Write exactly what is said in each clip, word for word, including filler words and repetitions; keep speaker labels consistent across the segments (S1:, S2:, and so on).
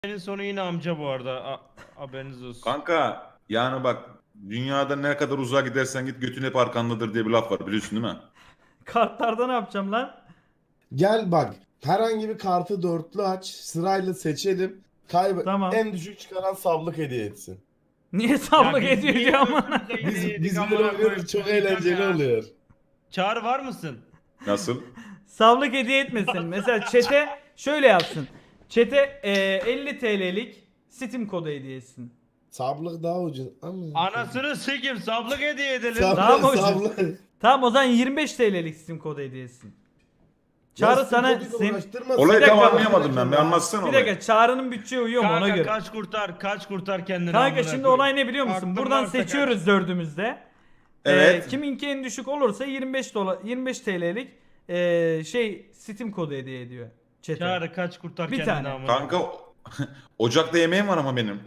S1: Senin sonu yine amca bu arada. A haberiniz olsun.
S2: Kanka yani bak dünyada ne kadar uzağa gidersen git götün hep arkandadır diye bir laf var biliyorsun değil mi?
S3: Kartlarda ne yapacağım lan?
S4: Gel bak. Herhangi bir kartı dörtlü aç. Sırayla seçelim. Kaybet.
S3: Tamam.
S4: En düşük çıkaran sablık hediye etsin.
S3: Niye sablık
S1: biz
S3: ediyor
S1: niye
S3: ki ama?
S1: ölümümüze
S4: Biz,
S1: yedi yedik
S4: biz
S1: amına
S4: böyle
S1: koyayım?
S4: oynuyoruz. Çok
S1: Çıldıracağım
S4: eğlenceli
S1: ya.
S4: oluyor.
S1: Çağrı var mısın?
S2: Nasıl?
S3: Sablık hediye etmesin. Mesela çete şöyle yapsın. Çete e, elli T L'lik Steam kodu hediye etsin.
S4: Sablık daha ucuz. Ama...
S1: Anasını sikim sablık hediye edelim.
S4: Sablık,
S3: Daha mı ucuz?
S4: sablık.
S3: Tamam o zaman yirmi beş T L'lik Steam kodu hediye etsin. Çağrı
S4: Ya
S3: sana
S4: koduyla
S3: sen...
S4: uğraştırma.
S2: Olayı
S3: Bir
S2: tam
S3: dakika,
S2: anlayamadım ben. Bir anlatsana
S3: Bir
S2: olayı.
S3: dakika Çağrı'nın bütçeye uyuyor mu ona
S1: Kanka
S3: göre.
S1: kaç kurtar kaç kurtar kendini.
S3: Kanka
S1: amına
S3: şimdi
S1: koyayım.
S3: olay ne biliyor musun?
S1: Aklın
S3: Buradan
S1: varsa
S3: seçiyoruz dördümüzde.
S2: Evet.
S3: Ee, kiminki en düşük olursa yirmi beş dolar yirmi beş T L'lik e, şey Steam kodu hediye ediyor.
S1: kaç.
S3: Chat'e.
S1: Çağrı kaç kurtar
S3: Bir
S1: kendini
S3: tane.
S1: amına.
S2: Kanka ocakta yemeğim var ama benim.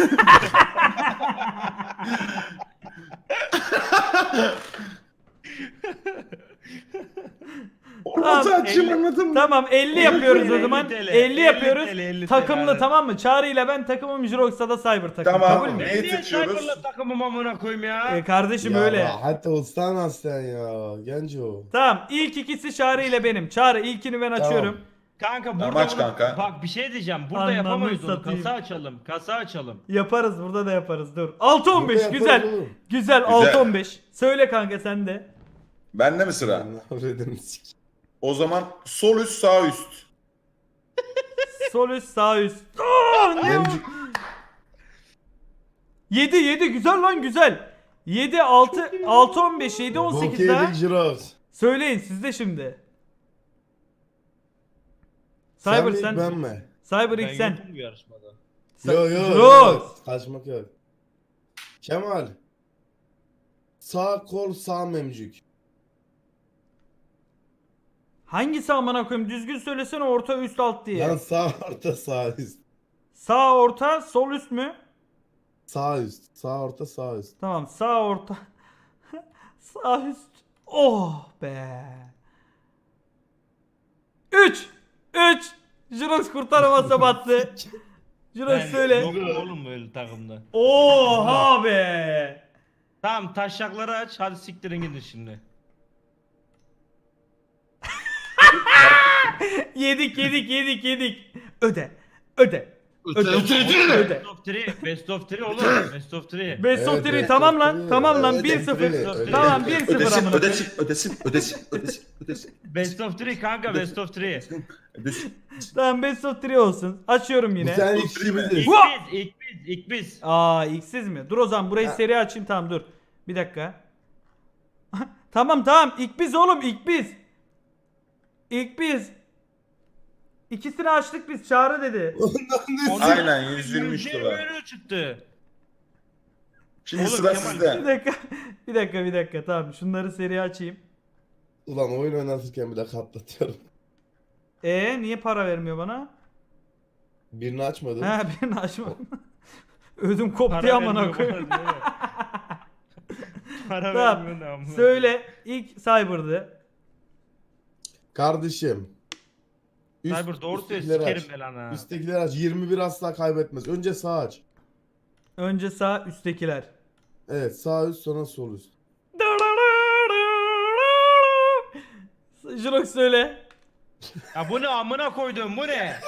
S3: Tamam,
S2: Orada açayım
S1: elli-
S2: anladın mı?
S3: Tamam elli yapıyoruz o
S1: elli
S3: zaman.
S1: TL,
S3: elli
S1: elli
S3: yapıyoruz.
S1: TL, elli TL,
S3: Takımlı
S1: evet.
S3: tamam mı? Çağrı ile ben takımım, Jirox'a da Cyber takım.
S2: Tamam.
S3: Kabul mü?
S2: Ne?
S1: Ben niye
S2: seçiyoruz?
S1: Cyber'la takımım amına koyayım ya?
S3: Ee, kardeşim
S4: Ya
S3: öyle.
S4: Hatta ustan sen ya. Genco.
S3: Tamam ilk ikisi Çağrı ile benim. Çağrı ilkini ben
S4: Tamam.
S3: açıyorum.
S1: Kanka burada
S2: Tamam, aç
S1: bunu-
S2: kanka.
S1: bak bir şey diyeceğim. Burada
S3: Anlamı
S1: yapamayız onu.
S3: satayım.
S1: Kasa açalım. Kasa açalım.
S3: Yaparız burada da yaparız dur. altı on beş
S4: Burada
S3: güzel.
S4: yaparız oğlum.
S3: Güzel altı on beş. Söyle kanka sen de.
S2: Bende mi sıra?
S4: Avredini sik.
S2: O zaman sol üst sağ üst.
S3: Sol üst sağ üst. Aa, ne o?
S4: Memcik.
S3: yedi yedi güzel lan güzel. yedi altı altı on beş yedi on sekiz daha.
S4: Bokyedik Jirox.
S3: Söyleyin siz de şimdi.
S4: Sen
S3: Cyber
S4: mi
S3: sen.
S4: ben mi?
S3: Cyber ilk sen.
S1: yokum bu yarışmada.
S3: Sen-
S4: Yo yo.
S3: Jirox.
S4: yo. Kaçmak yok. Kemal. Sağ kol sağ memcük.
S3: Hangisi amına koyayım? Düzgün söylesene orta üst alt diye.
S4: Lan sağ orta sağ üst.
S3: Sağ orta sol üst mü?
S4: Sağ üst. Sağ orta sağ üst.
S3: Tamam sağ orta. Sağ üst. Oh be. üç üç Jirox kurtaramasa battı. Jirox
S1: Ben
S3: söyle.
S1: yokum oğlum böyle takımda.
S3: Oha be.
S1: Tamam taşakları aç. Hadi siktirin gidin şimdi.
S3: Yedik yedik yedik yedik. Öde. Öde. Öde. Öde.
S1: Best of üç. Best of üç oğlum. Best of üç.
S3: Best of
S4: Evet,
S3: three
S4: best
S3: tamam
S4: of
S3: lan.
S4: three.
S3: Tamam lan
S4: Evet,
S3: bir
S4: best
S3: sıfır.
S4: of three.
S3: Tamam bir sıfır
S2: Ödesin,
S3: amına.
S2: ödesin, ödesin, ödesin, ödesin, ödesin,
S1: Best of üç kanka best of üç.
S2: ödesin.
S3: Tamam best of three olsun. Açıyorum
S4: Bu
S3: yine.
S4: sen
S2: Bu
S4: ilk
S2: three mi?
S4: kişimiziz.
S1: İlk
S3: Vah!
S1: biz, ilk biz, ilk biz.
S3: Aa iksiz mi? Dur o zaman burayı
S4: Ha.
S3: seri açayım tamam dur. Bir dakika. Tamam tamam ilk biz oğlum ilk biz. İlk biz. İkisini açtık biz Çağrı dedi.
S2: Aynen yüz yirmi üç
S1: Yüzde
S2: dolar.
S1: yirmi çıktı.
S2: Şimdi
S1: Oğlum,
S2: sıra
S1: Kemal,
S3: Bir
S2: sizde.
S3: dakika. Bir dakika bir dakika tamam şunları seri açayım.
S4: Ulan oyun oynatırken bile katlatıyorum.
S3: E niye para vermiyor bana?
S4: Birini açmadın.
S3: He birini açmadım. Ödüm koptu
S1: Para
S3: amına
S1: vermiyor
S3: koyayım.
S1: bana, değil mi? Para
S3: Tamam.
S1: vermiyor ne amına.
S3: Söyle ilk Cyber'dı.
S4: Kardeşim. Üst,
S1: Cyber doğru söyle
S4: üsttekileri
S1: sikerim
S4: aç.
S1: ben ha.
S4: Üsttekileri aç. yirmi bir asla kaybetmez. Önce sağ aç.
S3: Önce sağ üsttekiler.
S4: Evet sağ üst sonra sol üst.
S3: Jirox söyle.
S1: Ya bu ne amına koydum bu ne?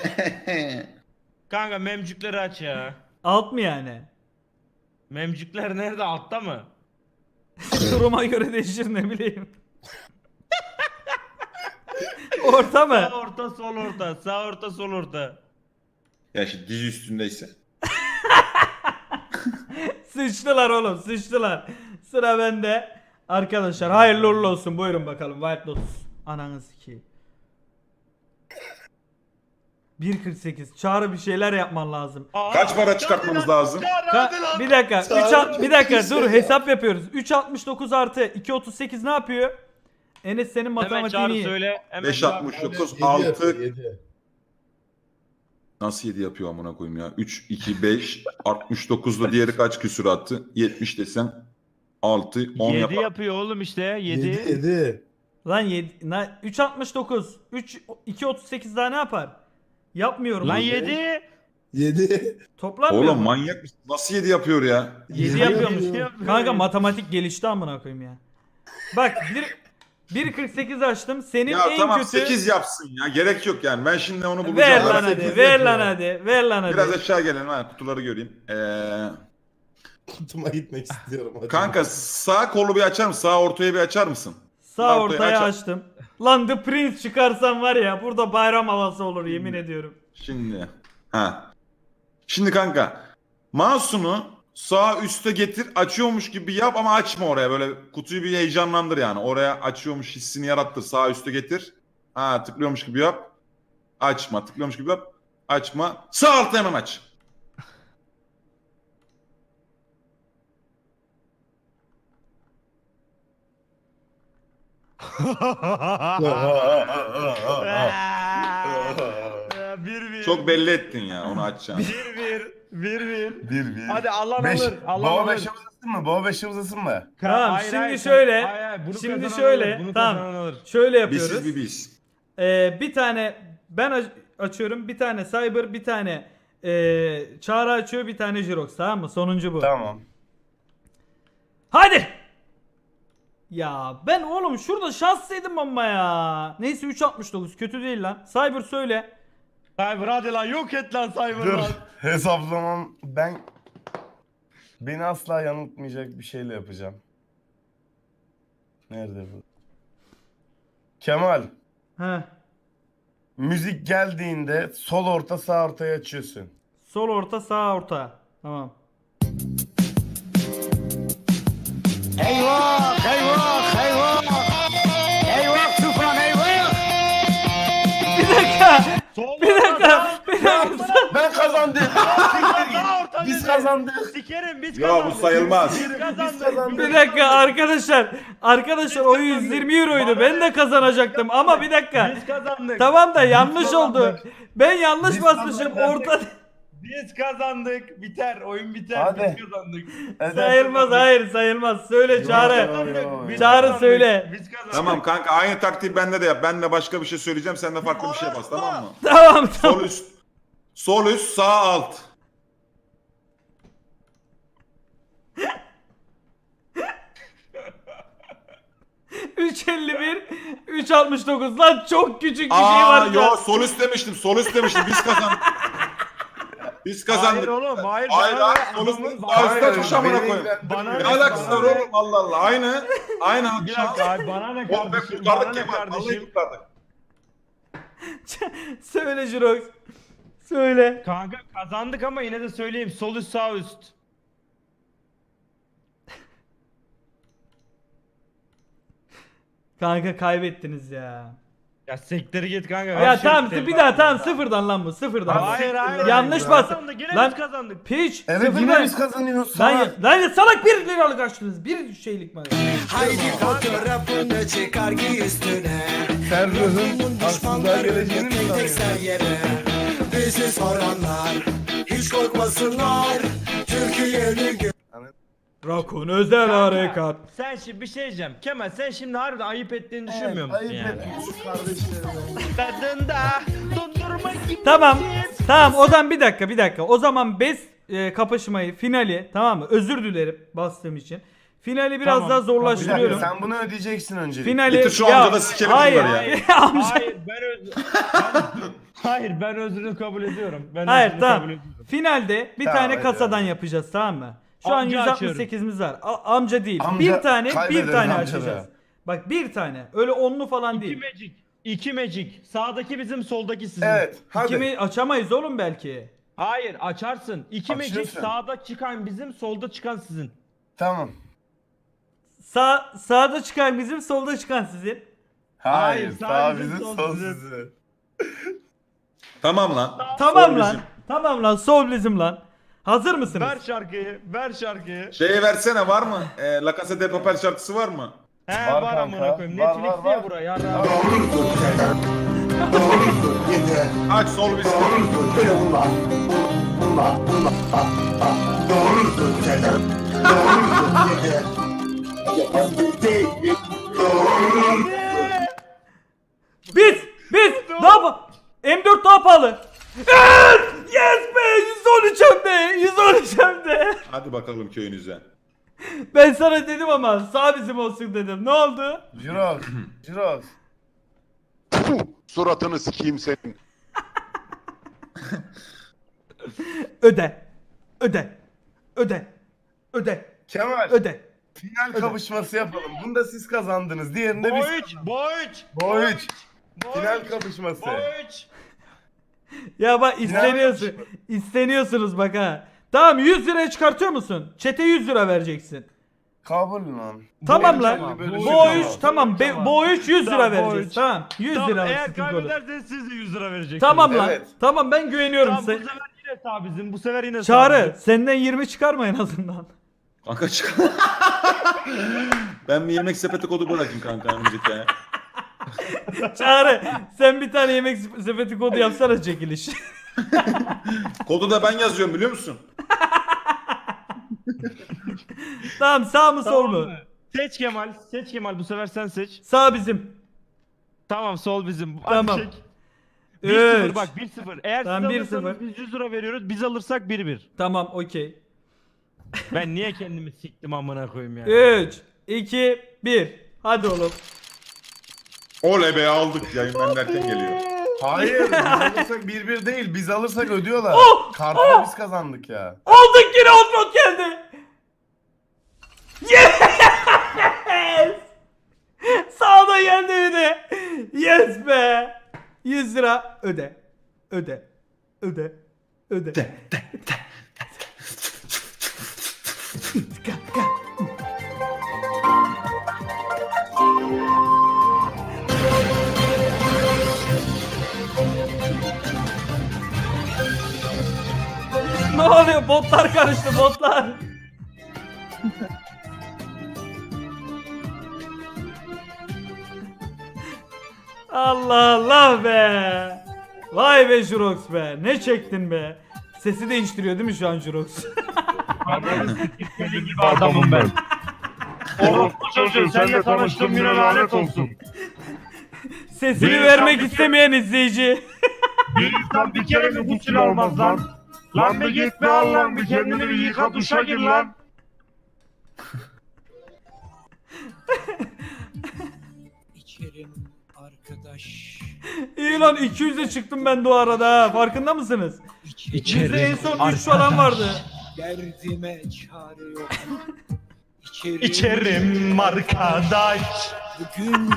S1: Kanka memcükleri aç ya.
S3: Alt mı yani?
S1: Memcükler nerede altta mı?
S3: Duruma göre değişir ne bileyim. Orta mı?
S1: Sağ orta sol orta sağ orta sol orta.
S2: Ya şimdi dizi üstündeyse.
S3: Sıçtılar oğlum sıçtılar. Sıra bende. Arkadaşlar hayırlı uğurlu olsun. Buyurun bakalım White Lotus. Ananız ki. bir kırk sekiz. Çağrı bir şeyler yapman lazım.
S1: Aa,
S2: Kaç para
S1: Çağrı
S2: çıkartmamız
S1: lan,
S2: lazım?
S1: Çağrı
S3: Ka-
S1: hadi lan.
S3: bir dakika.
S4: Çağrı
S3: üç alt- bir dakika
S4: çok
S3: dur
S4: iyi
S3: hesap yapıyoruz. üç altmış dokuz artı iki otuz sekiz ne yapıyor? Enes senin
S1: Hemen
S3: matematiğini
S1: Çağrı
S3: iyi.
S1: söyle. Hemen
S2: beş
S1: Çağrı
S2: altmış
S1: söyle.
S2: dokuz,
S4: yedi
S2: altı.
S4: yapıyor, yedi.
S2: Nasıl yedi yapıyor amına koyayım ya? üç, iki, beş, altmış dokuzla diğeri kaç küsür attı? yetmiş desem altı, on
S1: yedi
S2: yapar.
S1: yapıyor oğlum işte
S4: yedi.
S1: yedi.
S4: yedi.
S3: Lan yedi, na- üç altmış dokuz. üç iki otuz sekiz daha ne yapar? Yapmıyorum.
S1: Lan
S3: bunu.
S1: yedi.
S4: yedi.
S3: Toplanmıyor
S2: Oğlum
S3: mu?
S2: manyak mısın? Nasıl yedi yapıyor ya?
S3: yedi
S4: Yedi
S3: yapıyormuş.
S4: yapıyor.
S3: Kanka matematik gelişti amına koyayım ya. Bak bir bir kırk sekiz açtım. Senin
S2: Ya
S3: en
S2: tamam
S3: kötü
S2: sekiz yapsın ya. Gerek yok yani. Ben şimdi onu bulacağım.
S3: ver
S2: Ara
S3: lan
S2: sekiz
S3: hadi. Ver
S2: yapıyor.
S3: lan hadi. Ver lan hadi.
S2: Biraz aşağı gelelim ha. Kutuları göreyim. Ee,
S4: Kutuma gitmek istiyorum. hadi.
S2: kanka sağ kolu bir açar mısın? Sağ ortaya bir açar mısın?
S3: Sağ
S2: ortaya
S3: ortaya
S2: aç-
S3: açtım. Lan The Prince çıkarsam var ya burada bayram havası olur yemin ediyorum.
S2: Şimdi. Ha. Şimdi kanka. Mouse'unu sağ üste getir. Açıyormuş gibi yap ama açma oraya. Böyle kutuyu bir heyecanlandır yani. Oraya açıyormuş hissini yarattır. Sağ üste getir. Ha tıklıyormuş gibi yap. Açma. Tıklıyormuş gibi yap. Açma. Sağ altta hemen aç.
S1: Bir bir.
S2: Çok belli ettin ya onu açacağını.
S1: Bir bir. Bir bir.
S5: Bir bir.
S1: Hadi Allah
S5: Beş.
S1: alır. Allah
S5: Baba
S1: alır.
S5: beşe uzasın mı? Baba beşe uzasın mı?
S3: Tamam,
S1: Hayır,
S3: şimdi
S1: hayır,
S3: şöyle,
S1: hayır, hayır, bunu
S3: şimdi
S1: kazanan
S3: şöyle,
S1: alır, bunu
S3: tamam.
S1: kazanan alır.
S3: Şöyle yapıyoruz.
S2: Bizsiz bir biz.
S3: Ee, bir tane ben aç- açıyorum, bir tane Cyber, bir tane ee, Çağrı açıyor, bir tane Jirox, tamam mı? Sonuncu bu.
S5: Tamam.
S3: Hadi! Ya ben oğlum şurada şanslıydım ama ya. Neyse üç altmış dokuz kötü değil lan. Cyber söyle.
S1: Cyber hadi lan yok et lan Cyber
S5: Dur.
S1: lan.
S5: Hesaplamam. Ben beni asla yanıltmayacak bir şeyle yapacağım. Nerede bu? Kemal.
S3: Heh.
S5: Müzik geldiğinde sol orta sağ ortaya açıyorsun.
S3: Sol orta, sağ orta. Tamam.
S6: Eyvah, eyvah, eyvah. Eyvah Tufan eyvah.
S3: Bir dakika.
S1: Sol
S3: Bir dakika. Bir dakika.
S5: Ben kazandım.
S1: Sağ orta
S5: Biz
S1: dedi.
S5: kazandık.
S1: Sikerim biz
S2: Ya
S1: kazandık.
S2: bu sayılmaz.
S1: Biz kazandık.
S3: Bir dakika arkadaşlar. Arkadaşlar o yüz yirmi euroydu. Ben de kazanacaktım ama bir dakika.
S1: Biz kazandık.
S3: Tamam da yanlış oldu.
S1: kazandık.
S3: Ben yanlış
S5: Biz
S3: basmışım.
S5: kazandık.
S3: Orta
S1: Biz kazandık. Biter. Oyun biter.
S5: Hadi.
S1: Biz kazandık.
S3: sayılmaz. Hayır sayılmaz. Söyle Çağrı.
S5: Yo,
S1: Biz
S3: Çağrı
S1: kazandık.
S3: söyle.
S1: Biz kazandık.
S2: Tamam kanka aynı taktiği bende de yap. Ben de başka bir şey söyleyeceğim. Sen de farklı bir şey bas tamam mı?
S3: Tamam tamam.
S2: Sol üst. Sol üst sağ alt.
S3: üç elli bir, üç altmış dokuz lan çok küçük bir şey
S2: Aa
S3: var.
S2: yo
S3: Yo,
S2: sol üst demiştim. Sol üst demiştim. Biz kazandık. Biz
S1: Hayır
S2: kazandık.
S1: oğlum. Hayır.
S2: Hayır
S1: bana
S2: hayır
S1: ne?
S2: sol üst.
S1: Adamın-
S2: Sağ üstte
S5: Hayır,
S2: tuş amına
S5: beni
S2: koyayım.
S1: Bana
S2: Ne
S1: ne?
S2: alakası
S1: Bana
S2: var
S1: ne?
S2: oğlum Allah Allah. Aynı. Aynı.
S1: Bir dakika abi bana ne
S2: Oğlum be
S1: kardeşim? Bana
S2: kurtardık
S1: ne
S2: Kemal. Vallahi
S1: kardeşim?
S2: kurtardık.
S3: söyle Jirox. Söyle.
S1: Kanka kazandık ama yine de söyleyeyim. Sol üst sağ üst.
S3: Kanka kaybettiniz ya.
S1: Ya siktir git kanka.
S3: Ya
S1: ver şu
S3: tamam
S1: isteği.
S3: bir daha tamam sıfırdan lan bu sıfırdan.
S1: Hayır hayır.
S3: Yanlış
S1: Biz
S3: bas.
S1: kazandık, Yine
S3: Lan-
S1: biz kazandık.
S3: Piç
S5: Evet
S3: sıfırdan.
S5: yine biz kazanıyoruz.
S3: Lan,
S5: Salak.
S3: lan ya salak bir liralık açtınız. Bir şeylik mi?
S6: Haydi fotoğrafını çıkar giy üstüne.
S5: Sen ruhun aslında
S6: Düşmanları
S5: geleceğini mi
S6: tek tek
S5: sanıyorsun?
S6: ser yere. Bizi soranlar hiç korkmasınlar. Türkiye'nin gö-
S3: Rakun özel
S1: Kanka,
S3: harekat.
S1: Sen şimdi bir şey diyeceğim. Kemal sen şimdi harbiden ayıp ettiğini düşünmüyor musun
S5: Ayıp
S1: yani?
S5: etmiş.
S1: Tadında dondurma gibi.
S3: Tamam. Tamam o zaman bir dakika bir dakika. O zaman best e, kapışmayı finali tamam mı? Özür dilerim bastığım için. Finali biraz
S1: Tamam,
S3: daha
S5: Bir dakika,
S3: zorlaştırıyorum.
S5: sen bunu ödeyeceksin öncelikle.
S3: Finali
S2: Bitir şu
S3: ya,
S2: amca da sikelim
S3: hayır,
S2: bunları ya.
S3: amca.
S1: Hayır ben öz... ben... Hayır ben özrünü kabul ediyorum. Ben
S3: Hayır
S1: özrünü
S3: tamam.
S1: kabul ediyorum.
S3: Finalde bir
S5: Tamam,
S3: tane
S5: hadi,
S3: kasadan
S5: hadi.
S3: yapacağız tamam mı? Şu
S1: Amca
S3: an yüz altmış sekizimiz var. A- amca değil.
S5: Amca,
S3: bir tane bir
S5: kaybederiz
S3: tane
S5: amca
S3: açacağız.
S5: da.
S3: Bak bir tane. Öyle onlu falan
S1: İki
S3: değil.
S1: magic. İki magic. Sağdaki bizim soldaki sizin.
S5: Evet hadi.
S3: Kimi açamayız oğlum belki.
S1: Hayır açarsın. İki magic
S5: Açıyorsun.
S1: sağda çıkan bizim solda çıkan sizin.
S5: Tamam.
S3: Sağ sağda çıkan bizim, solda çıkan sizin.
S5: Hayır,
S1: Hayır,
S5: sağ
S1: sağ
S5: bizim
S1: bizim, sol
S5: sol
S1: bizim.
S5: sizin.
S2: Tamam lan.
S3: Tamam
S2: Sol
S3: lan.
S2: bizim.
S3: Tamam lan. Sol bizim lan. Hazır mısınız?
S1: Ver şarkıyı. Ver şarkıyı.
S2: Şeyi versene var mı? E, La Casa de Papel şarkısı var mı?
S1: He
S5: Var
S1: var,
S5: kanka,
S1: amına koyayım.
S5: var,
S1: Netflix
S5: var,
S1: diye
S5: var.
S1: buraya. Yarra.
S2: Aç sol bizim.
S3: Biz! Biz! Daha pa- M dört daha pahalı. Evet! Yes be! yüz olacağım de.
S2: Hadi bakalım köyünüze.
S3: Ben sana dedim ama sağ bizim olsun dedim. Ne oldu?
S5: Jirox. Jirox.
S7: Puh, suratını sikeyim senin.
S3: Öde. Öde. Öde. Öde.
S5: Kemal.
S3: Öde.
S5: Final kapışması yapalım. Bunda siz kazandınız. Diğerinde biz.
S1: Boyç, boyç.
S5: Boyç. Final kapışması.
S1: Boyç.
S3: Ya bak isteniyorsun. İsteniyorsunuz bak ha. Tamam yüz liraya çıkartıyor musun? Çete yüz lira vereceksin.
S5: Kabul lan.
S3: Tamam
S5: Bu
S3: lan.
S5: elçi böyle
S3: Bu
S5: şey
S3: o üç
S5: tamam.
S3: tamam. Be,
S1: Tamam.
S3: bu o üç yüz lira
S1: Tamam,
S3: vereceğiz.
S1: Boyç.
S3: Tamam. yüz
S1: Tamam,
S3: lira.
S1: eğer
S3: sıkıntı olur.
S1: kaybederseniz siz de yüz lira vereceksiniz.
S3: Tamam lan.
S5: Evet.
S3: Tamam ben güveniyorum
S1: Tamam, bu
S3: size.
S1: sefer yine sağ bizim. Bu sefer yine sağ
S3: Çağrı
S1: bizim.
S3: senden yirmi çıkarma en azından.
S2: Kanka çık. Ben bir yemek sepeti kodu bırakayım kanka önümüzdeki aya.
S3: Çağrı sen bir tane yemek sepeti kodu yapsana çekiliş.
S2: Kodu da ben yazıyorum biliyor musun?
S3: Tamam sağ mı sol
S1: Tamam
S3: mu?
S1: mı? Seç Kemal. Seç Kemal. Bu sefer sen seç.
S3: Sağ bizim.
S1: Tamam sol bizim. Hadi
S3: Tamam.
S1: çek. bir sıfır
S3: Üç.
S1: bak bir sıfır. Eğer
S3: Tamam, bir
S1: siz alırsanız
S3: sıfır.
S1: biz yüz lira veriyoruz. Biz alırsak bir bir.
S3: Tamam okey.
S1: Ben niye kendimi siktim amına koyayım ya.
S3: üç, iki, bir. Hadi oğlum.
S2: Oley be aldık yayından derken geliyor.
S5: Hayır. Biz alırsak bir bir değil. Biz alırsak ödüyorlar.
S3: Oh!
S5: Kartı da biz kazandık ya.
S3: Aldık yine Outlook geldi. Yes! Sağda geldi bir de. Yes be. yüz lira öde. Öde. Öde. Öde. Ne oluyor? Botlar karıştı botlar. Allah Allah be. Vay be Jurox be. Ne çektin be. Sesi değiştiriyor değil mi şu an Jurox?
S1: Deli gibi adamım ben. Oğlum bu çocuğu seninle tanıştığım güne lanet olsun.
S3: Sesini
S1: Bir
S3: vermek
S1: insan bir
S3: istemeyen izleyici.
S1: Bir insan bir kere mi gusül almaz lan? Lan bir git be Allah'ım bir kendini bir yıka duşa gir lan.
S8: İçerim arkadaş.
S3: İyi lan iki yüze çıktım ben de o arada ha. Farkında mısınız? Bizde en son üç falan vardı.
S8: Derdime çare yok. İçerim,
S1: İçerim arkadaş.
S8: bugün.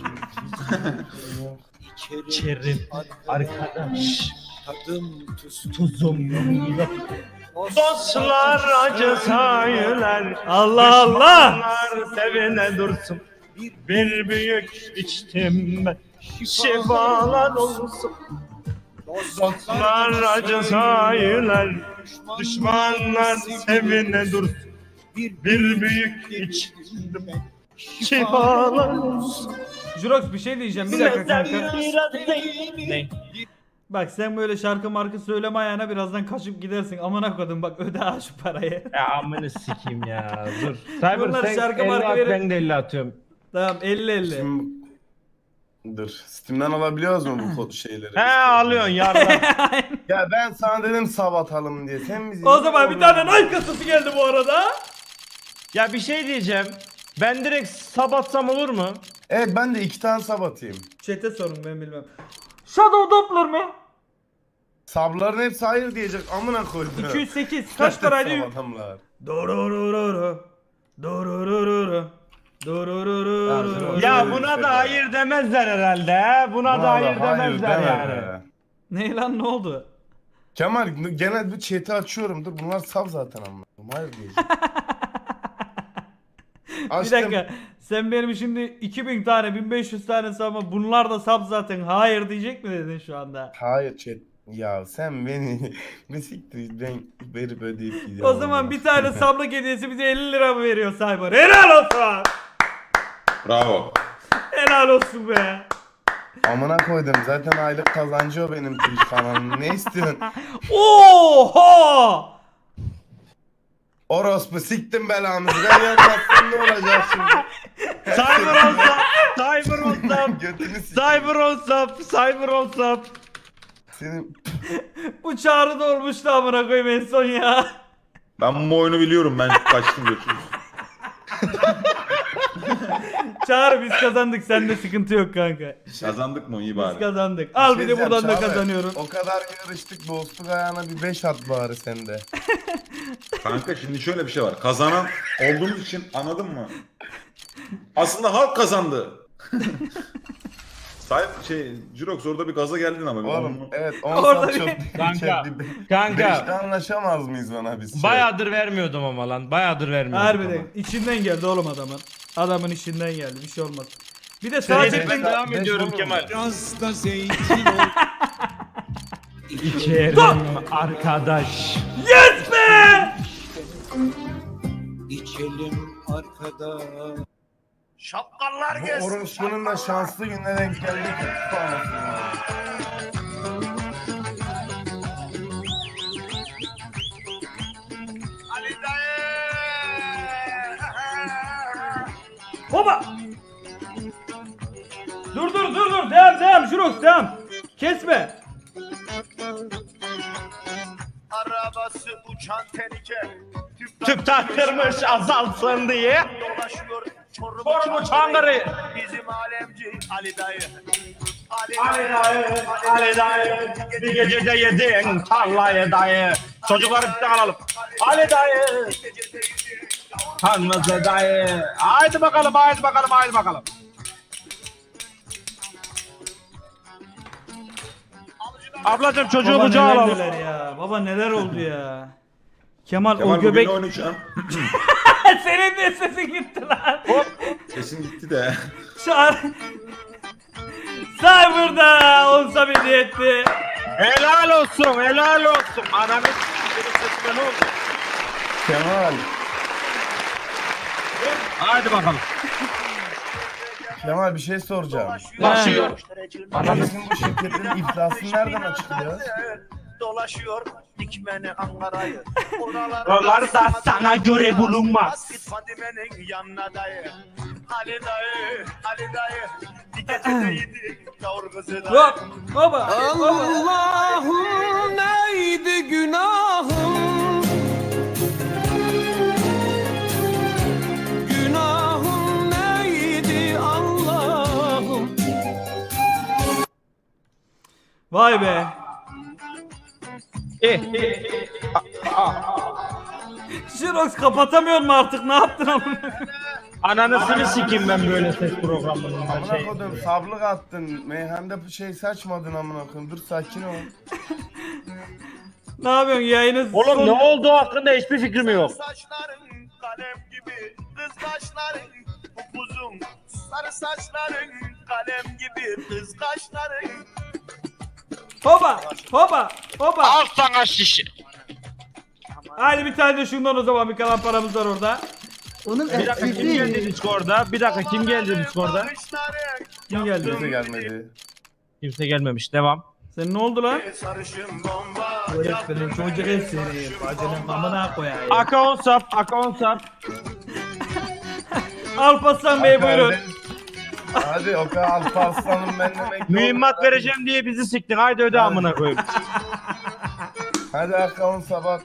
S8: İçerim,
S1: İçerim arkadaş.
S8: Tadım tuzum.
S1: Tuzum yok. Dostlar acı sayılar.
S3: Allah Allah.
S1: Düşmanlar sevine dursun. Bir büyük içtim ben. Şifalar olsun. Dostlar acı sayılar. Düşmanlar sevine dursun. Bir büyük içtim ben. Şifalar olsun.
S3: Jurox bir şey diyeceğim bir dakika kanka.
S1: Ne?
S3: Bak sen böyle şarkı markı söyleme ayağına birazdan kaçıp gidersin. Amına koydum bak öde ha şu parayı.
S1: Ya amını sikeyim ya dur. Cyber
S3: Bunlar
S1: sen
S3: şarkı
S1: elli
S3: marka
S1: at,
S3: verin.
S1: ben de elli atıyorum.
S3: Tamam elli elli.
S5: Şimdi... Dur. Steam'den alabiliyoruz mu bu kod şeyleri?
S1: He alıyorsun yardım.
S5: Ya ben sana dedim sab atalım diye. Sen bizi...
S3: O zaman bir tane Nike kasası geldi bu arada.
S1: Ya bir şey diyeceğim. Ben direkt sabatsam olur mu?
S5: Evet ben de iki tane sab atayım.
S3: Chat'e sorun ben bilmem. Shadow Doppler mı?
S5: Sabların hepsi hayır diyecek. Amına koydum.
S3: iki yüz sekiz kaç paraydı?
S5: Sab adamlar.
S3: Dororororo. Dororororo. Dororororo.
S1: Ya buna da hayır demezler herhalde he. Buna da hayır demezler
S5: deme
S1: yani.
S5: be.
S3: Ne lan ne oldu?
S5: Kemal genel bir chat'i açıyorum. Dur bunlar sab zaten amına. Hayır diyecek.
S3: Bir
S5: Açtım.
S3: dakika. Sen benim şimdi iki bin tane bin beş yüz tane sabah bunlar da sab zaten hayır diyecek mi dedin şu anda?
S5: Hayır chat. Ya sen beni ne siktir ben verip ödeyip gidiyorum.
S3: O zaman bir tane sablık hediyesi bize elli lira mı veriyor Cyber? Helal olsun.
S2: Bravo.
S3: Helal olsun be.
S5: Amına koydum zaten aylık kazancı o benim Twitch kanalım. Ne istiyorsun?
S3: Oha!
S5: Orospu siktim belanızı. Ben yapmazsam ne olacak şimdi?
S1: Cyber olsam, cyber olsam,
S5: Götünü siktim.
S1: cyber olsam, cyber olsam.
S5: Senin
S3: Bu Çağrı da olmuştu amına koyayım en son ya.
S2: Ben bu oyunu biliyorum. Ben kaçtım götürdüm.
S3: Çağrı biz kazandık, sende sıkıntı yok kanka.
S2: Kazandık mı? İyi
S3: Biz
S2: bari.
S3: kazandık. Al bir de
S5: diyeceğim,
S3: buradan da
S5: Çağrı,
S3: kazanıyorum.
S5: O kadar yarıştık, dostluk ayağına bir beş at bari sende.
S2: Kanka şimdi şöyle bir şey var. Kazanan olduğumuz için anladın mı? Aslında halk kazandı. Sahip şey Jirox orada bir gaza geldin ama.
S5: Oğlum
S2: Onu-
S5: evet on
S3: Orada
S5: saat çok
S3: bir-
S9: Kanka,
S5: Beşte
S9: Kanka
S5: anlaşamaz mıyız bana biz? Şey?
S9: bayağıdır vermiyordum ama lan. Bayağıdır vermiyordum.
S3: Harbiden içinden geldi oğlum adamın. Adamın içinden geldi, bir şey olmaz. Bir de
S5: Şey,
S3: sadece
S5: beş-
S9: ben devam
S5: beş
S9: ediyorum
S5: olur mu?
S9: Kemal.
S8: Biraz da zeytin ol.
S9: İçerim arkadaş.
S3: yes be!
S8: İçelim arkada.
S1: Şapkallar
S5: Bu orospunun da şanslı gününe denk geldi ki.
S1: Ali dayı.
S3: Hopa! Dur dur dur dur, devam devam Jirox devam. Kesme.
S1: Arabası uçan tenike.
S9: Tüp taktırmış azalsın diye.
S1: Dolaşıyor Çorum,
S9: Çorum Çankırı.
S1: Bizim alemci Ali dayı. Ali,
S9: Ali dayı, Ali dayı. Bir gecede yedin tarlayı dayı. Çocukları bir alalım. Ali dayı. Tanrısı dayı. Haydi bakalım, haydi bakalım, haydi bakalım. Ablacım çocuğu
S3: Baba
S9: kucağa
S3: neler
S9: alalım.
S3: neler ya. Baba neler oldu ya. Kemal,
S2: Kemal
S3: o göbek...
S2: bugün oynayacağım.
S3: Senin de sesin gitti lan.
S2: Sesin gitti de.
S3: Çağır. Cyber'da olsa bir etti.
S9: Helal olsun, helal olsun. Ananı s***ın ne oldu?
S5: Kemal.
S9: Haydi bakalım.
S5: Kemal bir şey soracağım.
S9: Başlıyor.
S5: Bizim bu şirketin iflasını nereden açıklıyor?
S1: Dolaşıyor dikmeni Ankara'yı.
S9: Oralarda sana göre bulunmaz.
S1: Git Fadime'nin yanına dayı. Ali dayı, Ali dayı. Bir gecede yedik yavru kızı dayı.
S3: Hop. Baba. Baba.
S6: Allah'ım neydi günahım? Günahım neydi Allah'ım?
S3: Vay be.
S9: Eh,
S3: Jirox kapatamıyor mu artık? Ne yaptın amına?
S9: Ananısını sikeyim ben böyle ses programlarında.
S5: Amına
S9: Şey.
S5: kodum sablık attın. Meyhanda bir şey saçmadın amına koyayım. Dur sakin ol.
S3: Ne yapıyorsun yayını?
S9: Oğlum
S3: son-
S9: ne olduğu hakkında hiçbir fikrim yok.
S1: Saçların kalem gibi, kız kaşların upuzun. Sarı saçların kalem gibi, kız kaşların.
S3: Hopa. Hopa. Hopa.
S9: Al sana şişe.
S3: Hadi bir tane de şundan o zaman, bir kalan paramız var orada.
S9: Bir dakika kim geldi Discord'da? Bir dakika kim geldi Discord'da?
S1: Bakışların
S3: Kim geldi?
S5: Kimse gelmedi.
S9: Kimse gelmemiş. Devam.
S3: Sen ne oldu lan?
S1: sarışın bomba.
S3: Öğretmenim çocuk el seni. Bacının amına koyayım.
S9: Aka on sap, aka on sap.
S3: Alparslan Bey buyurun.
S5: Hadi o kadar Alparslan'ım ben demek.
S9: Mühimmat vereceğim diye bizi siktin. Haydi öde amına koyayım.
S5: Hadi akavun sabah.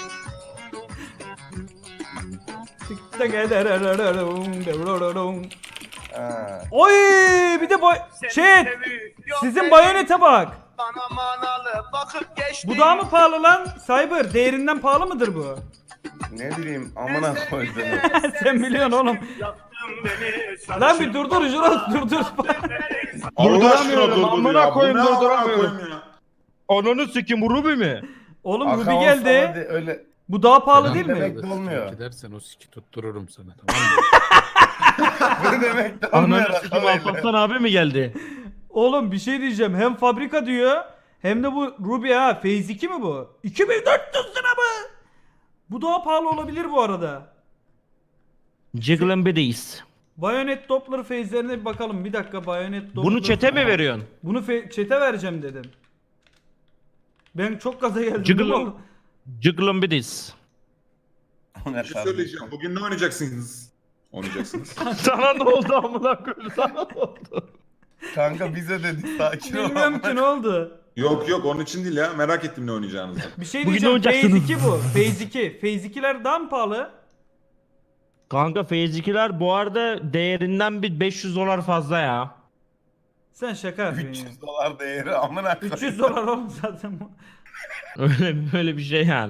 S5: Ha.
S3: Oy bir de boy şey sizin bayonete bak.
S1: Bana manalı bakıp geçti.
S3: Bu daha mı pahalı lan? Cyber değerinden pahalı mıdır bu?
S5: Ne bileyim amına koydum.
S3: Sen biliyorsun oğlum.
S1: Beni
S3: Lan bir durdur Juros durdur.
S2: Allah aşkına
S9: Durduramıyorum,
S2: durdur
S9: amına
S2: ya. Bu
S9: koyayım,
S2: ne amına
S9: durduramıyorum.
S2: koyayım ya?
S9: Onunu sikim bu Ruby mi?
S3: Oğlum
S5: Akavun
S3: Ruby
S5: sabah
S3: geldi.
S5: de- öyle.
S3: Bu daha pahalı değil mi?
S5: Demek de olmuyor.
S10: Gidersen o siki tuttururum sana, tamam mı?
S5: Ne demek de olmuyor.
S9: Ananı sikim Alparslan abi mi geldi?
S3: Oğlum bir şey diyeceğim. Hem fabrika diyor hem de bu Ruby ha. Phase iki mi bu? iki bin dört yüz lira mı? Bu daha pahalı olabilir bu arada.
S9: Jiggle'ın biriyiz.
S3: Bayonet Doppler phase'lerine bir bakalım. Bir dakika Bayonet Doppler.
S9: Bunu çete mi veriyorsun?
S3: Bunu fe- çete vereceğim dedim. Ben çok gaza geldim.
S9: Jiggle'ın
S3: Oğlum.
S9: Jiggle'ın biriyiz.
S2: Bir şey söyleyeceğim. Bugün ne oynayacaksınız? Oynayacaksınız.
S9: Sana ne oldu amına koyayım? Sana ne oldu?
S5: Kanka bize dedi sakin ol.
S3: Bilmiyorum ki ne oldu.
S2: Yok yok onun için değil ya. Merak ettim ne oynayacağınızı.
S3: Bir şey
S1: Bugün
S3: diyeceğim.
S1: ne
S3: Phase
S1: oynayacaksınız?
S3: iki bu. Phase iki. Phase ikiler daha mı pahalı?
S1: Kanka Phase ikiler bu arada değerinden bir beş yüz dolar fazla ya.
S3: Sen şaka yapıyorsun
S5: üç
S3: ya.
S5: yüz dolar değeri amına koyayım.
S3: üç yüz dolar oğlum zaten bu.
S1: Öyle böyle bir şey yani.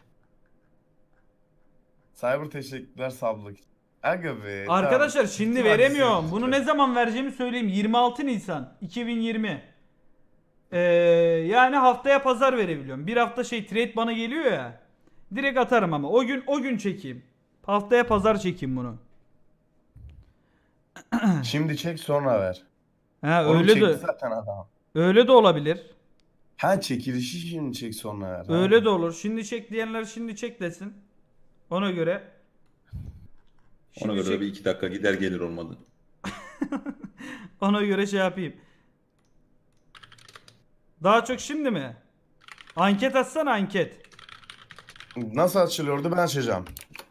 S5: Cyber teşekkürler sablık. Aga be.
S3: Arkadaşlar
S5: tamam.
S3: şimdi
S5: Hadi
S3: veremiyorum.
S5: sen-
S3: Bunu ne zaman vereceğimi söyleyeyim. yirmi altı Nisan iki bin yirmi. Ee, yani haftaya pazar verebiliyorum. Bir hafta şey trade bana geliyor ya. Direkt atarım ama. O gün o gün çekeyim. Haftaya pazar çekeyim bunu.
S5: Şimdi çek sonra ver.
S3: Ha
S5: Oğlum
S3: öyle
S5: çekti
S3: de
S5: zaten adam.
S3: öyle de olabilir.
S5: Ha çekilişi şimdi çek sonra ver. ha.
S3: Öyle de olur. Şimdi çek diyenler şimdi çek desin. Ona göre.
S2: Ona
S3: Şimdi
S2: göre
S3: çek-
S2: bir iki dakika gider gelir olmadı.
S3: Ona göre şey yapayım. Daha çok şimdi mi? Anket atsana anket.
S5: Nasıl açılıyordu ben açacağım.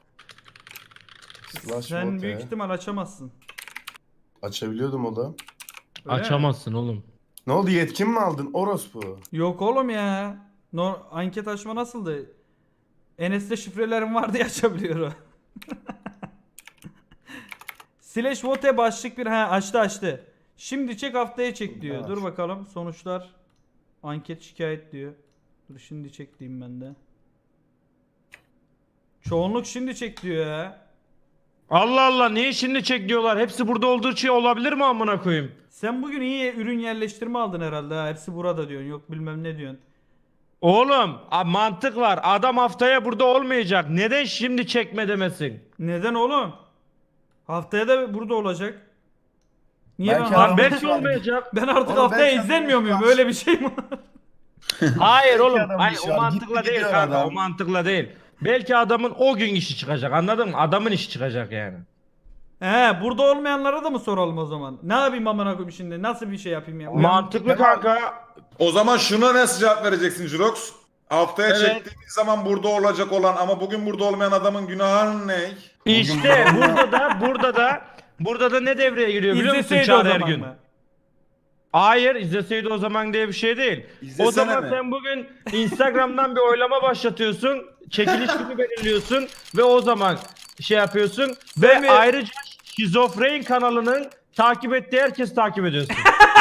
S5: Slash
S3: Sen
S5: vote
S3: büyük
S5: ya.
S3: ihtimal açamazsın.
S5: Açabiliyordum o da.
S3: Öyle mi?
S1: Açamazsın oğlum.
S5: Ne oldu yetkin mi aldın orospu?
S3: Yok oğlum ya. No, anket açma nasıldı? Enes'te şifrelerim var diye açabiliyor o. Slash vote başlık bir ha açtı açtı. Şimdi çek haftaya çek diyor.
S5: Evet.
S3: Dur bakalım sonuçlar. Anket şikayet diyor. Dur şimdi çek diyeyim ben de. Çoğunluk şimdi çek diyor ya.
S1: Allah Allah niye şimdi çek diyorlar? Hepsi burada olduğu şey olabilir mi amına koyayım?
S3: Sen bugün iyi ürün yerleştirme aldın herhalde ha. Hepsi burada diyorsun. Yok bilmem ne diyorsun.
S1: Oğlum a- mantık var. Adam haftaya burada olmayacak. Neden şimdi çekme demesin?
S3: Neden oğlum? Haftaya da burada olacak. Niye
S5: Belki
S3: ben,
S5: adam-
S1: Lan belki olmayacak.
S3: ben artık
S5: Oğlum
S3: haftaya
S5: belki
S3: izlenmiyor
S5: adam-
S3: muyum? Öyle bir şey mi?
S1: Hayır oğlum.
S5: adam
S1: Hayır,
S5: bir şey
S1: o
S5: var.
S1: mantıkla
S5: Gitti
S1: değil
S5: gidiyor
S1: kanka.
S5: adam.
S1: O mantıkla değil. Belki adamın o gün işi çıkacak. Anladın mı? Adamın işi çıkacak yani.
S3: He, burada olmayanlara da mı soralım o zaman? Ne yapayım amına koyayım şimdi? Nasıl bir şey yapayım ya? Uyan-
S1: Mantıklı kanka.
S2: O zaman şuna nasıl cevap vereceksin Jirox? Haftaya
S1: Evet.
S2: çektiğimiz zaman burada olacak olan ama bugün burada olmayan adamın günahı ne?
S1: İşte burada da burada da burada da ne devreye giriyor biliyor musun
S3: İzleseydi o
S1: Çağrı
S3: zaman
S1: Ergün?
S3: mı?
S1: Hayır izleseydi o zaman diye bir şey değil.
S2: İzlesene
S1: o zaman
S2: mi?
S1: sen bugün Instagram'dan bir oylama başlatıyorsun. Çekiliş günü belirliyorsun ve o zaman şey yapıyorsun ve
S3: mi?
S1: ayrıca Şizofren kanalının takip ettiği herkes takip ediyorsun.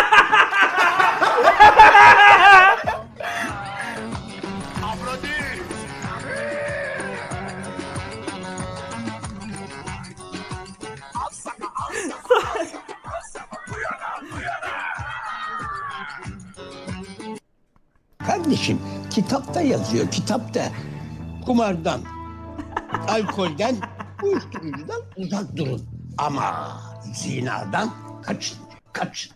S6: Kardeşim kitapta yazıyor kitapta. Kumardan, alkolden, uyuşturucudan uzak durun. Ama zinadan kaçın, kaçın.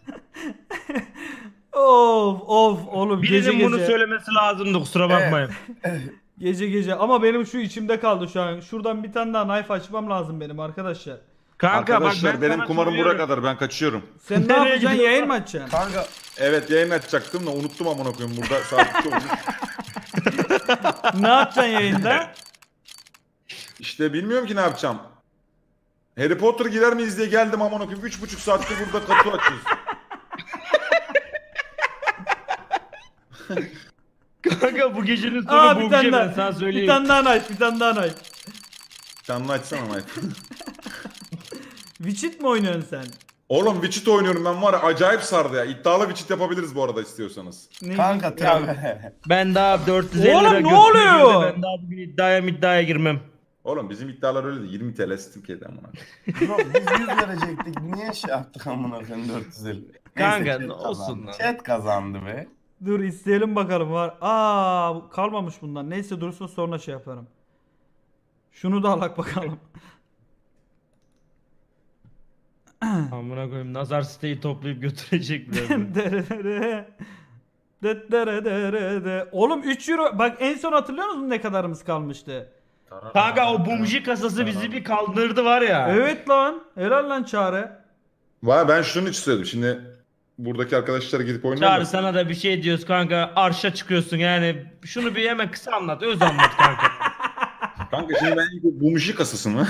S3: Of of oğlum gece
S1: Birinin
S3: gece.
S1: bunu söylemesi lazımdı kusura bakmayın.
S3: Gece gece ama benim şu içimde kaldı şu an. Şuradan bir tane daha knife açmam lazım benim arkadaşlar.
S1: Kanka
S2: Arkadaşlar
S1: bak ben
S2: benim
S1: sana
S2: kumarım buraya
S1: söylüyorum.
S2: kadar ben kaçıyorum.
S3: Sen ne
S1: Nereye
S3: yapacaksın?
S1: gidiyorsun?
S3: Yayın mı açacaksın?
S5: Kanka
S2: Evet yayın açacaktım da unuttum amına koyayım burada saat iki olmuş.
S3: Ne yapacaksın yayında?
S2: İşte bilmiyorum ki ne yapacağım. Harry Potter girer miyiz diye geldim amına koyayım. Üç buçuk saattir burada kapı açıyoruz.
S1: Kanka bu gecenin sonu
S3: Aa
S1: bu
S3: bir
S1: gece
S3: tane
S1: ben
S3: daha.
S1: sana
S3: Bir
S1: söyleyeyim.
S3: tane daha knife, bir tane daha knife.
S2: Canlı açsana Mike.
S3: Witchit mi oynuyorsun sen?
S2: Oğlum Witchit oynuyorum ben var ya acayip sardı ya. İddialı Witchit yapabiliriz bu arada istiyorsanız.
S3: Ne
S5: kanka tabi.
S1: Ben daha dört yüz elli
S3: Oğlum
S1: lira
S3: ne
S1: götürdüm
S3: oluyor?
S1: de Ben daha bugün iddiaya iddiaya girmem.
S2: Oğlum bizim iddialar öyle de yirmi T L Türkiye'de amına.
S5: Bro, biz yüz verecektik. Niye şey yaptık amına koyayım dört yüz elli?
S1: Kanka,
S5: Neyse,
S1: ne
S5: chat
S1: olsun
S5: kazandı.
S1: lan.
S5: Chat kazandı be.
S3: Dur isteyelim bakalım var. Aa bu kalmamış bundan. Neyse dursun sonra şey yaparım. Şunu da alak bakalım.
S1: Amına koyayım nazar siteyi toplayıp götürecek birazdan.
S3: Derere. Detterederede. Oğlum üç euro. Bak en son hatırlıyor musun ne kadarımız kalmıştı?
S1: Kanka o bumji kasası bizi bir kaldırdı var ya.
S3: Evet lan. Helal lan Çağrı.
S2: Vay ben şunun için söyledim. Şimdi buradaki arkadaşlar gidip oynuyorlar.
S1: Çağrı sana da bir şey diyoruz kanka arşa çıkıyorsun yani şunu bir hemen kısa anlat öz anlat kanka.
S2: Kanka şimdi ben bu bumji kasası mı?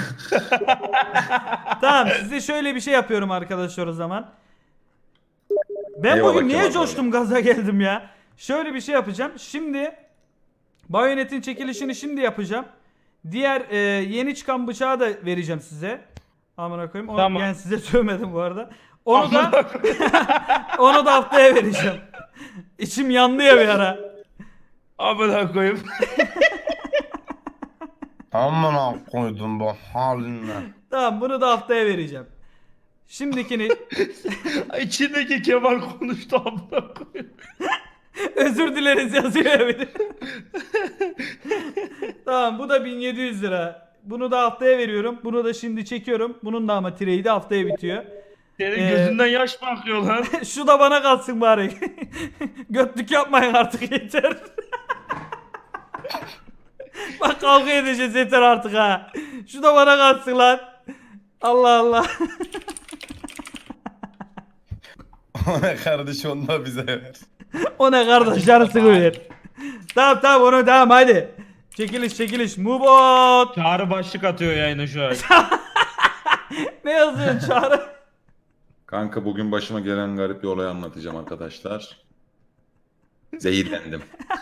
S3: Tamam size şöyle bir şey yapıyorum arkadaşlar o zaman. Ben
S2: Eyvallah
S3: bugün niye
S2: Kemal
S3: coştum gaza geldim ya? Şöyle bir şey yapacağım. Şimdi Bayonet'in çekilişini şimdi yapacağım. Diğer e, yeni çıkan bıçağı da vereceğim size. Amına koyayım. Onu,
S1: Tamam.
S3: Yani size söylemedim bu arada. Onu da onu da haftaya vereceğim. İçim yandı ya bir ara.
S1: Amına koyayım.
S5: Amına koydum bu haline.
S3: Tamam, bunu da haftaya vereceğim. Şimdikini
S1: İçindeki Kemal konuştu amına koyayım.
S3: özür dileriz yazıyor ya bir de. Tamam, bu da bin yedi yüz lira. Bunu da haftaya veriyorum. Bunu da şimdi çekiyorum. Bunun da ama trade'i haftaya bitiyor.
S1: Senin
S3: Ee,
S1: gözünden yaş mı akıyor lan?
S3: Şu da bana kalsın bari. Götlük yapmayın artık, yeter. Bak kavga edeceğiz, yeter artık ha. Şu da bana kalsın lan. Allah Allah.
S5: O ne kardeş, onu da bize ver.
S3: O ne kardeş, yarısını ver. Tamam tamam, onu tamam hadi. Çekiliş çekiliş. Mubot.
S1: Çağrı başlık atıyor yayına şu an.
S3: Ne yazıyorsun Çağrı?
S2: Kanka bugün başıma gelen garip bir olayı anlatacağım arkadaşlar. Zehirlendim.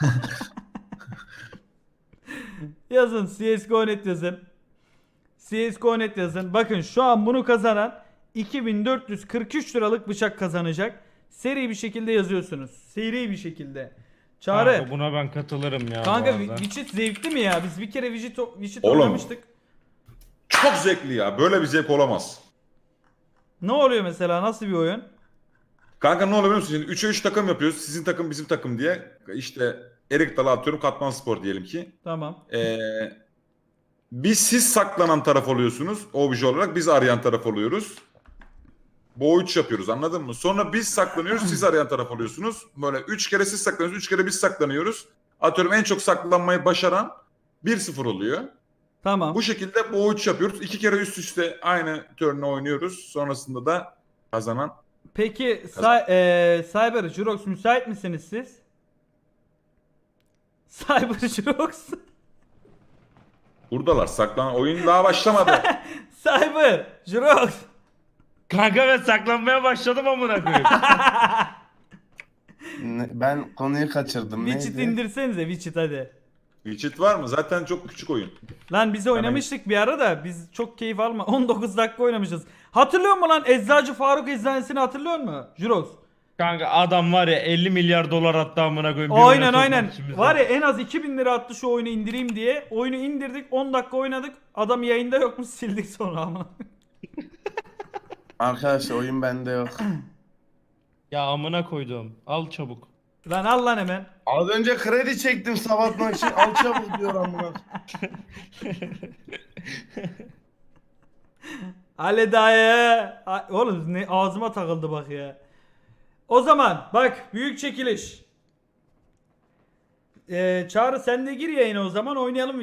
S3: Yazın C S G O nokta net yazın. C S G O nokta net yazın. Bakın şu an bunu kazanan iki bin dört yüz kırk üç liralık bıçak kazanacak. Seri bir şekilde yazıyorsunuz. Seri bir şekilde. Çağrı.
S1: Kanka buna ben katılırım ya.
S3: Kanka
S1: bu arada.
S3: Witcher zevkli mi ya? Biz bir kere Witcher Witcher
S2: Oğlum.
S3: oynamıştık.
S2: Çok zevkli ya. Böyle bir zevk olamaz.
S3: Ne oluyor mesela? Nasıl bir oyun?
S2: Kanka ne oluyor biliyor musun? Şimdi üçe üç takım yapıyoruz. Sizin takım bizim takım diye. İşte Erik Dalı atıyorum. Katman Spor diyelim ki.
S3: Tamam.
S2: Ee, biz siz saklanan taraf oluyorsunuz. Obje olarak biz arayan taraf oluyoruz. Bu üç yapıyoruz, anladın mı? Sonra biz saklanıyoruz, siz arayan taraf oluyorsunuz. Böyle üç kere siz saklanıyorsunuz, üç kere biz saklanıyoruz. Atıyorum en çok saklanmayı başaran bir sıfır oluyor.
S3: Tamam.
S2: Bu şekilde bu üç yapıyoruz. İki kere üst üste aynı turn'u oynuyoruz. Sonrasında da kazanan.
S3: Peki Cy- eee, Cyber Jurox müsait misiniz siz? Cyber Jurox.
S2: Buradalar, saklanan oyun daha başlamadı.
S3: Cyber Jurox.
S1: Kanka ben saklanmaya başladım amına koyayım.
S5: Ne- ben konuyu kaçırdım.
S3: Widget
S5: Neydi?
S3: indirsenize Widget hadi.
S2: Widget var mı? Zaten çok küçük oyun.
S3: Lan biz oynamıştık bir ara da biz çok keyif alma. on dokuz dakika oynamışız. Hatırlıyor musun lan Eczacı Faruk Eczanesini hatırlıyor musun? Jurox.
S1: Kanka adam var ya elli milyar dolar attı amına koyayım. bir
S3: Aynen
S1: oyuna sokmak
S3: aynen.
S1: için bizi.
S3: Var ya en az iki bin lira attı şu oyunu indireyim diye. Oyunu indirdik, on dakika oynadık. Adam yayında yokmuş, sildik sonra ama.
S5: Arkadaşlar oyun bende yok.
S1: Ya amına koydum. Al çabuk.
S3: Lan al lan hemen.
S5: Az önce kredi çektim sabahtan için. Al çabuk diyor amına.
S3: Ali dayı. A- Oğlum ne ağzıma takıldı bak ya. O zaman bak büyük çekiliş. Ee, Çağrı sen de gir yayına o zaman oynayalım.